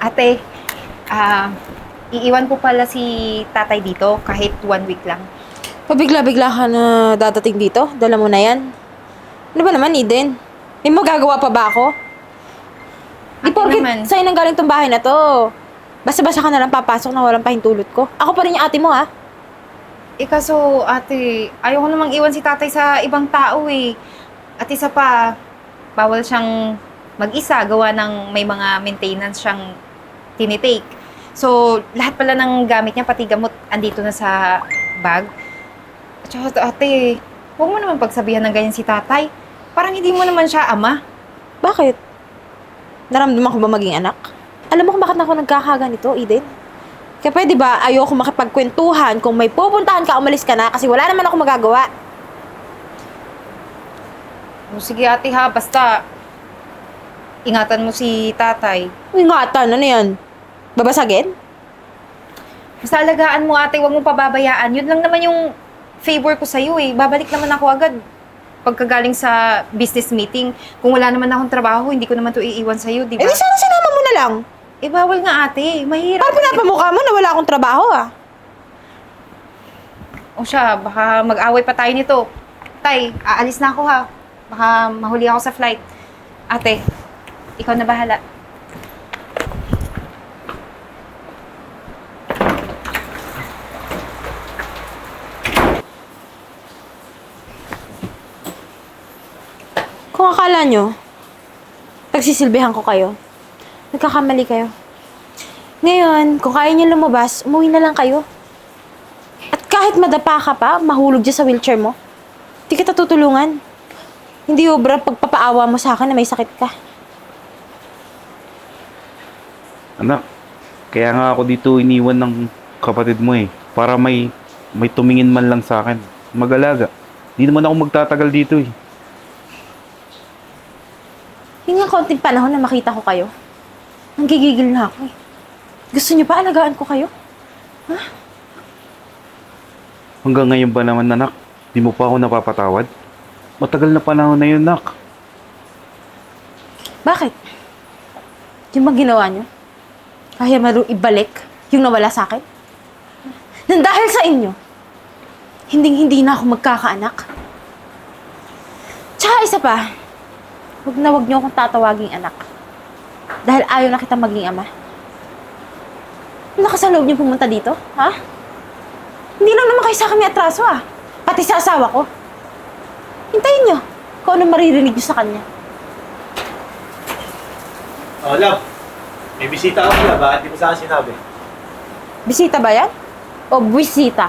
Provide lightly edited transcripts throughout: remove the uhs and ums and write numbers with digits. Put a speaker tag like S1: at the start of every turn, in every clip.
S1: Ate, ah, iiwan po pala si tatay dito kahit 1 week lang.
S2: Pabigla-bigla ka na dadating dito? Dala mo na yan? Ano ba naman, Eden? May magagawa pa ba ako? Di
S1: Ate
S2: porket
S1: naman.
S2: sa'yo nang galing tong bahay na to. Basta-basta ka na lang papasok na walang pahintulot ko. Ako pa rin yung ate mo, ha?
S1: Kaso ate, ayoko namang iwan si tatay sa ibang tao eh. At isa pa, bawal siyang mag-isa gawa ng may mga maintenance siyang tinitake. So, lahat pala ng gamit niya, pati gamot, andito na sa bag. At saka ate, huwag mo naman pagsabihan ng ganyan si tatay. Parang hindi mo naman siya ama.
S2: Bakit? Naramdaman ko ba maging anak? Alam mo kung bakit ako nagkakaganito, Eden? Kaya pwede ba ayoko makipagkwentuhan kung may pupuntahan ka, umalis ka na kasi wala naman ako magagawa.
S1: O, sige ate ha, basta ingatan mo si tatay.
S2: Ingatan, ano yan? Babasagin?
S1: Basta alagaan mo ate, huwag mo pababayaan. Yun lang naman yung favor ko sa'yo eh. Babalik naman ako agad. Pagkagaling sa business meeting, kung wala naman akong trabaho, hindi ko naman to iiwan sa'yo, di
S2: Eh
S1: ba?
S2: di sana sinama mo na lang.
S1: Bawal nga ate. Mahirap.
S2: Parang pinapamukha mo na wala akong trabaho, ah.
S1: O siya, baka mag-away pa tayo nito. Tay, aalis na ako ha. Baka mahuli ako sa flight. Ate, ikaw na bahala.
S2: Kung akala nyo, pagsisilbihan ko kayo, nagkakamali kayo. Ngayon, kung kaya nyo lumabas, umuwi na lang kayo. At kahit madapa ka pa, mahulog dyan sa wheelchair mo, di kita tutulungan. Hindi obra pagpapaawa mo sa akin na may sakit ka.
S3: Anak, kaya nga ako dito iniwan ng kapatid mo eh. Para may tumingin man lang sa akin. Mag-alaga. Di naman ako magtatagal dito eh.
S2: Yung nga konting panahon na makita ko kayo, nanggigigil na ako eh. Gusto niyo pa alagaan ko kayo?
S3: Hanggang ngayon ba naman, anak? Di mo pa ako napapatawad? Matagal na panahon na yun, nak.
S2: Bakit? Yung bang ginawa niyo? Kaya ibalik yung nawala sa akin? Nang dahil sa inyo, hindi na ako magkakaanak. Tsaka isa pa, wag niyo akong tatawaging anak. Dahil ayaw na kita maging ama. Lakas sa loob niyo pumunta dito, ha? Hindi lang naman kayo sa kami atraso, ah. Pati sa asawa ko. Hintayin niyo kung ano maririnig niyo sa kanya.
S4: Oh, love. May bisita ako pala. Bakit di mo sa akin sinabi?
S2: Bisita ba yan? O buwisita?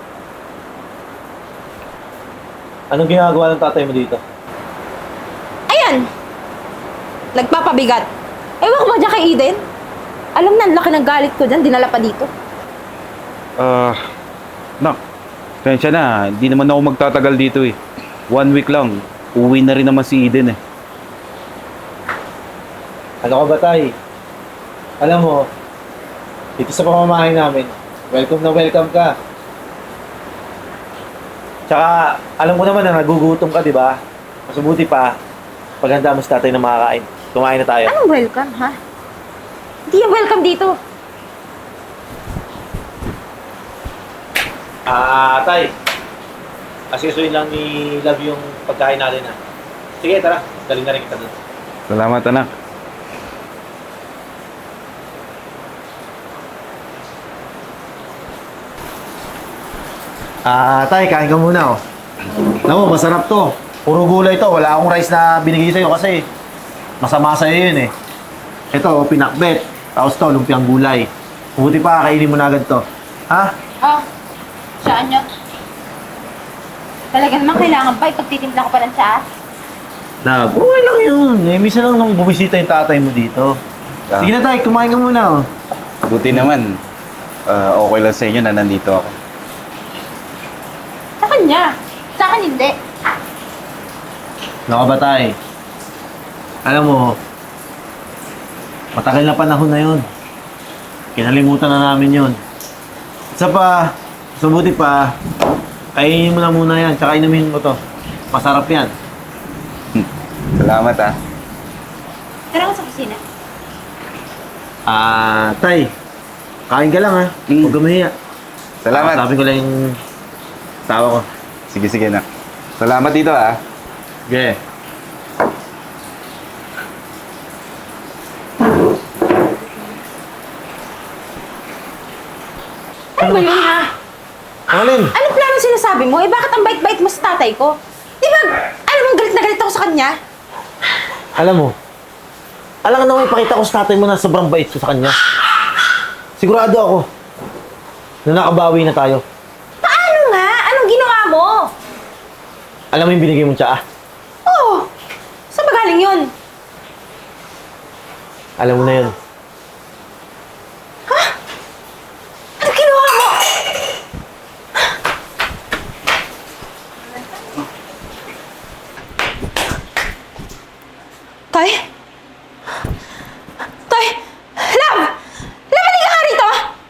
S4: Anong ginagawa ng tatay mo dito?
S2: Ayan! Nagpapabigat. Ewan ko ba dyan kay Eden? Alam na, ang laki ng galit ko dyan, dinala pa dito.
S3: Nak, pensya na. Hindi naman ako magtatagal dito eh. 1 week lang. Uwi na rin naman si Eden eh.
S4: Ano ka ba, tay? Alam mo, dito sa pamamahay namin, welcome na welcome ka. Tsaka, alam ko naman na nagugutom ka, di ba? Mas mabuti pa, paghanda mo sa tatay na makakain. Kumain na tayo.
S2: Anong welcome, ha? Hindi yung welcome dito.
S4: Tay. Asisuin lang ni Love yung pagkain natin, ha? Sige, tara. Galing na rin kita doon.
S3: Salamat, anak.
S4: Tay, kain ka muna, oh. Alam mo, masarap to. Puro gulay to. Wala akong rice na binigay sa'yo kasi masama sa'yo yun, eh. Ito, pinakbet. Tapos to, lumpiang gulay. Mabuti pa, kainin mo na agad to. Ha?
S2: Oh, saan nyo? Talaga naman kailangan ba ipagtitimpla ko pa ng tsaas?
S4: Love, okay lang yun. Eh, minsan lang nung bumisita yung tatay mo dito.
S3: Ah.
S4: Sige na, tay. Kumain ka muna, oh.
S3: Buti naman. Okay lang sa inyo na nandito ako.
S2: Sa kanya. Sa akin hindi.
S4: Ano ka ba, tay? Alam mo, matagal na panahon na yun. Kinalimutan na namin yun. Isa pa, subuti pa, kainin mo na muna yan, tsaka inumin mo to. Masarap yan.
S3: Salamat ah.
S2: Tara ko sa kusina.
S4: Tay, kain ka lang ha. Huwag ka mahiya.
S3: Salamat.
S4: Sabi ko lang yung tawa ko.
S3: Sige, sige na. Salamat dito ah.
S4: Okay.
S2: Ano ba yun, ha?
S4: Alin?
S2: Anong plano sinasabi mo? Eh, bakit ang bait-bait mo sa tatay ko? Di ba, alam mo, galit na galit ako sa kanya?
S4: Alam mo, alam na may pakita ko sa tatay mo na sobrang bait ko sa kanya. Sigurado ako na nakabawi na tayo.
S2: Paano nga? Anong ginawa mo?
S4: Alam mo yung binigay mong tsaa?
S2: Oh, saan ba galing yun?
S4: Alam mo na yun.
S2: Anong ginawa mo? Tay? Tay! Love! Love, halika nga rito!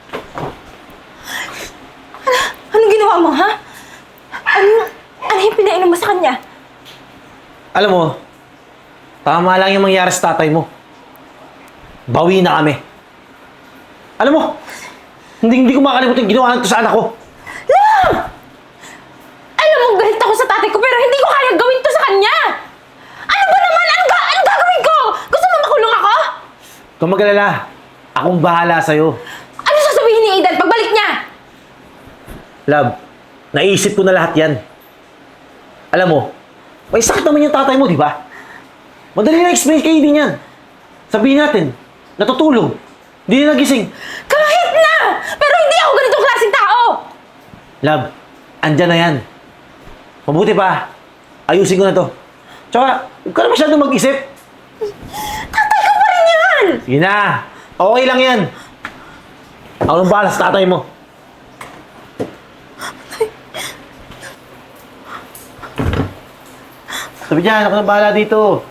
S2: Anong ginawa mo, ha? Ano yung pinainom mo sa kanya?
S4: Alam mo, tama lang yung mangyari sa tatay mo. Bawi na kami. Alam mo, hindi ko makalimutan yung ginawa nito sa anak ko.
S2: Alam mo, galit ako sa tatay ko pero hindi ko kaya gawin to sa kanya! Ano ba naman? Anong gagawin ko? Gusto mo makulong ako?
S4: Kung mag-alala, akong bahala sa'yo.
S2: Ano sasabihin ni Aidan pagbalik niya?
S4: Love, naisip ko na lahat yan. Alam mo, may sakit naman yung tatay mo, di ba? Madali na explain kay din yan. Sabihin natin, natutulog. Hindi na nagising.
S2: Kahit na! Pero hindi ako ganitong klaseng tao!
S4: Love, andyan na yan. Mabuti pa, ayusin ko na to. Tsaka, huwag ka na masyadong mag-isip.
S2: Tatay ko pa rin yan!
S4: Sige na, okay lang yan. Ako nang bahala sa tatay mo. Sabi dyan, ako nang bahala dito.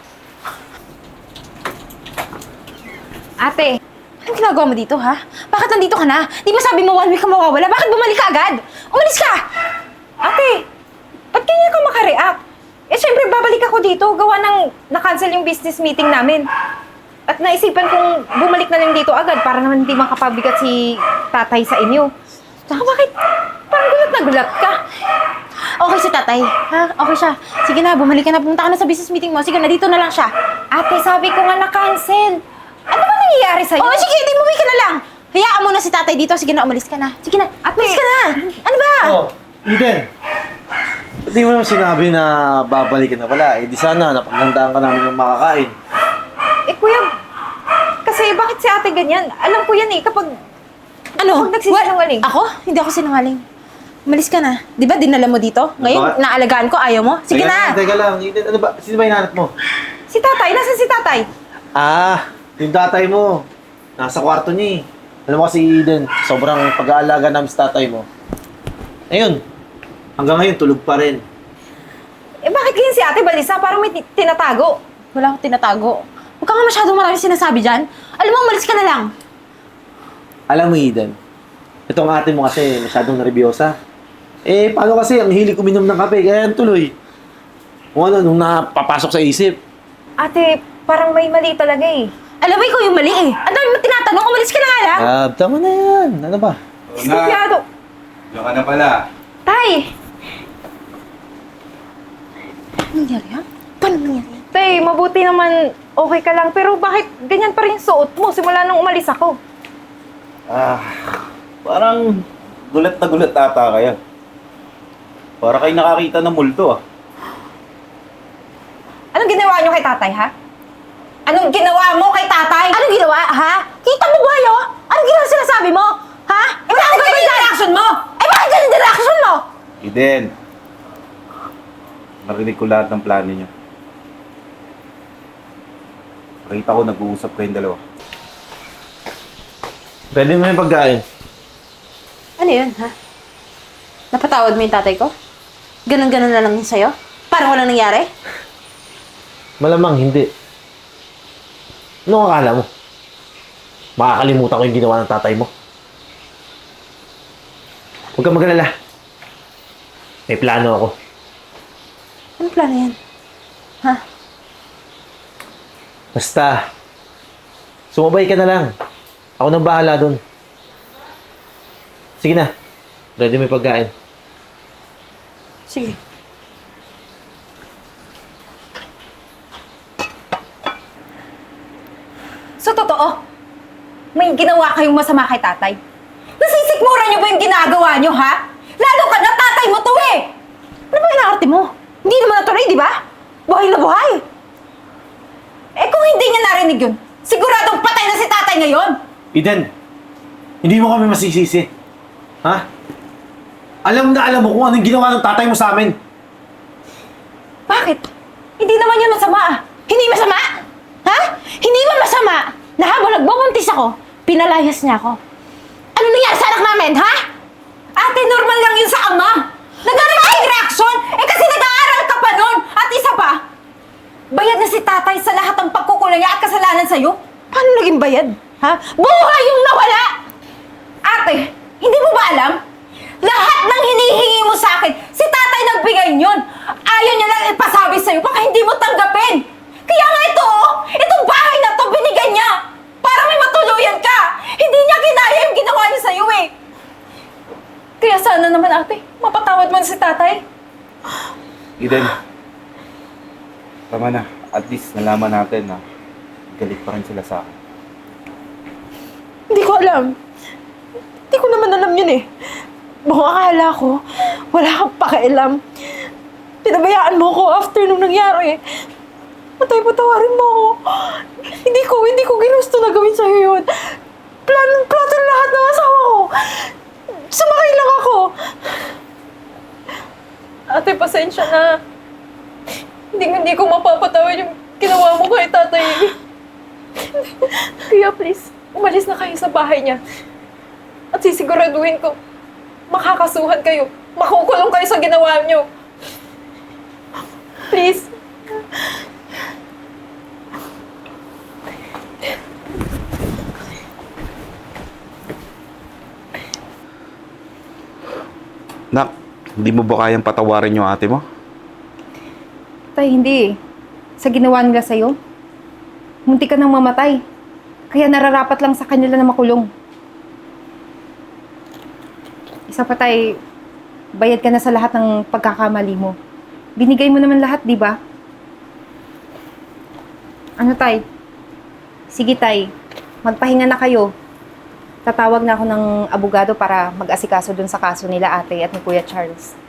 S1: Ate,
S2: Anong ginagawa mo dito, ha? Bakit nandito ka na? Di ba sabi mo 1 week ka mawawala? Bakit bumalik ka agad? Umalis ka!
S1: ate, ba't ganyan ka makareact? Eh, syempre, babalik ako dito. Gawa ng na-cancel yung business meeting namin. At naisipan kong bumalik na lang dito agad para naman hindi makapabigat si tatay sa inyo. Tsaka bakit parang gulat na gulat ka?
S2: Okay si tatay, ha? Okay siya. Sige na, bumalik ka na. Pumunta ka na sa business meeting mo. Sige na, dito na lang siya.
S1: Ate, sabi ko nga na-cancel. Ano ba nangyayari sa'yo?
S2: Oo, sige, di umuwi ka na lang. Hayaan mo na si tatay dito. Sige na, umalis ka na. Sige na,
S1: Ate.
S2: umalis ka na. Ano ba?
S4: Oh, Eden. Hindi mo naman sinabi na babalik ka na pala. Eh di sana, napaghandaan ka namin ng makakain.
S1: Eh, kuya, kasi bakit si ate ganyan? Alam ko yan eh, kapag
S2: Ano?
S1: Huwag nagsisinungaling.
S2: Ako? Hindi ako sinungaling. Umalis ka na. Di ba dinala mo dito? Ngayon,
S4: Bakit?
S2: naalagaan ko, ayaw mo? Sige na!
S4: Teka lang, Eden, ano ba? Sino ba hinahanap mo?
S1: si tatay, nasan si tatay?
S4: Yung tatay mo. Nasa kwarto niya eh. Alam mo kasi Eden, sobrang pag-aalaga namin sa tatay mo. Ayun, hanggang ngayon tulog pa rin.
S1: Eh, bakit ganyan si ate Balisa? Parang may tinatago.
S2: Wala akong tinatago. Huwag ka nga masyadong marami sinasabi dyan. Alam mo, umalis ka na lang.
S4: Alam mo Eden, itong ate mo kasi masyadong nervyosa. Eh, paano kasi ang hilig uminom ng kape, kaya yan tuloy. Kung ano, nung napapasok sa isip.
S1: Ate, parang may mali talaga eh.
S2: Alam mo, ikaw yung mali eh. Ang dami mo tinatanong, umalis ka na nga lang.
S4: Tama na yan. Ano ba?
S1: Sigurado.
S3: Diyan ka na pala.
S1: Tay!
S2: Ano nangyari, ha? Paano nangyari?
S1: Tay, mabuti naman okay ka lang. Pero bakit ganyan pa rin yung suot mo simula nung umalis ako?
S3: Parang gulat na gulat ata kaya. Para kayo nakakita ng multo ah.
S1: Anong ginawa niyo kay tatay, ha? Anong ginawa mo kay tatay?
S2: Anong ginawa, ha? Kita mo ba yun? Anong ginawa sinasabi mo? Ha?
S1: Eh, bakit ganyan yung reaction mo?
S2: Eh, bakit ganyan yung reaction mo?
S3: Eden, narinig ko lahat ng plano niyo. Nakita ko nag-uusap kayong dalawa.
S4: Pwede mo yung pagkain.
S2: Ano yun, ha? Napatawad mo yung tatay ko? Ganon-ganon na lang yun sa'yo? Parang walang nangyari?
S4: Malamang hindi. Ano akala mo? Makakalimutan ko yung ginawa ng tatay mo. Huwag kang mag-alala. May plano ako.
S2: Anong plano yan? Ha?
S4: Basta, sumabay ka na lang. Ako nang bahala dun. Sige na. Ready mo yung pagkain.
S2: Sige.
S1: So, totoo, may ginawa kayong masama kay tatay. Nasisikmura niyo ba yung ginagawa niyo, ha? Lalo ka na tatay mo to eh!
S2: Ano ba inaarte mo? Hindi naman natuloy, di ba? Buhay na buhay.
S1: Eh kung hindi niya narinig yun, siguradong patay na si tatay ngayon!
S4: Eden, hindi mo kami masisisi. Ha? Alam na alam mo kung anong ginawa ng tatay mo sa amin.
S1: Bakit? Hindi naman yun masama ah.
S2: Hindi masama? Ha? Hindi ba masama na habang nagbubuntis ako, pinalayas niya ako? Ano nangyari sa anak namin, ha?
S1: Ate, normal lang yun sa ama! Nag-reaction reaction! Eh kasi nag-aaral ka pa nun! At isa pa, bayad na si tatay sa lahat ng pagkukulang niya at kasalanan sa'yo.
S2: Paano naging bayad? Ha? Buhay yung nawala!
S1: Ate, hindi mo ba alam? Lahat ng hinihingi mo sa akin, si tatay nagbigay yun. Ayaw niya lang ipasabi sa'yo, baka hindi mo tanggapin. Kaya nga ito, oh, itong bahay na to, binigay niya. Para may matuluyan ka. Hindi niya kinaya yung ginawa niya sa'yo eh. Kaya sana naman ate, mapatawad mo na si tatay.
S3: Eden, tama na. At least nalaman natin na galit pa rin sila sa akin.
S2: Hindi ko alam. Hindi ko naman alam yun eh. Buong akala ko, wala kang pakialam. Pinabayaan mo ko after nung nangyari. Patawarin mo ako. Hindi ko ginusto na gawin sa'yo yun. Plato na lahat ng asawa ko. Sumakay lang ako.
S5: Ate, pasensya na. Hindi ko mapapatawad yung ginawa mo kay tatay. Kaya please, umalis na kayo sa bahay niya. At sisiguraduhin ko, makakasuhan kayo. Makukulong kayo sa ginawa niyo. Please.
S3: Nak, hindi mo ba kayang patawarin yung ate mo?
S1: Tay, hindi eh. Sa ginawa nila sa'yo, munti ka nang mamatay. Kaya nararapat lang sa kanila na makulong. Isa pa tay, bayad ka na sa lahat ng pagkakamali mo. Binigay mo naman lahat, di ba? Ano tay? Sige tay, magpahinga na kayo. Tatawag na ako ng abogado para mag-asikaso dun sa kaso nila ate at ni Kuya Charles.